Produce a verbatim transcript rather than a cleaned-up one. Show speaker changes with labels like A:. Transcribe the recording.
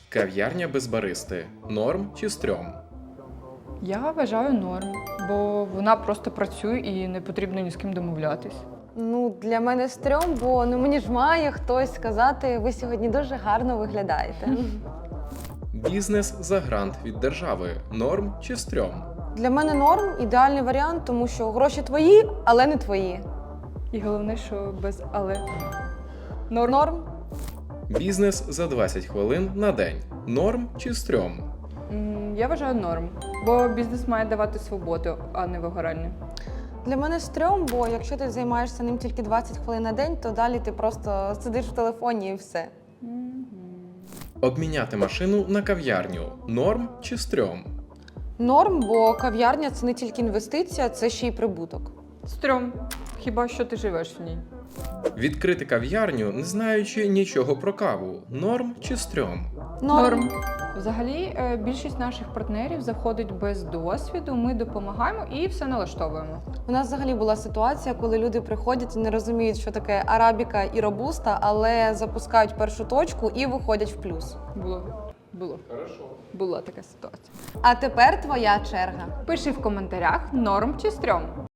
A: Кав'ярня без баристи. Норм чи стрьом?
B: Я вважаю норм, бо вона просто працює і не потрібно ні з ким домовлятись.
C: Ну, для мене стрьом, бо ну мені ж має хтось сказати, ви сьогодні дуже гарно виглядаєте.
A: Бізнес за грант від держави. Норм чи стрьом?
C: Для мене норм ідеальний варіант, тому що гроші твої, але не твої.
B: І головне, що без але. Норм.
C: Норм.
A: Бізнес за двадцять хвилин на день. Норм чи стрьом?
B: М, Я вважаю норм, бо бізнес має давати свободу, а не вигорання.
C: Для мене стрьом, бо якщо ти займаєшся ним тільки двадцять хвилин на день, то далі ти просто сидиш в телефоні і все.
A: Обміняти машину на кав'ярню. Норм чи стрьом?
C: Норм, бо кав'ярня це не тільки інвестиція, це ще й прибуток.
B: Стрьом. Хіба що ти живеш в ній?
A: Відкрити кав'ярню, не знаючи нічого про каву. Норм чи стрьом?
B: Норм. Взагалі, е, більшість наших партнерів заходить без досвіду, ми допомагаємо і все налаштовуємо.
C: У нас взагалі була ситуація, коли люди приходять і не розуміють, що таке арабіка і робуста, але запускають першу точку і виходять в плюс.
B: Було. Було. Була така ситуація.
C: А тепер твоя черга.
B: Пиши в коментарях, норм чи стрьом.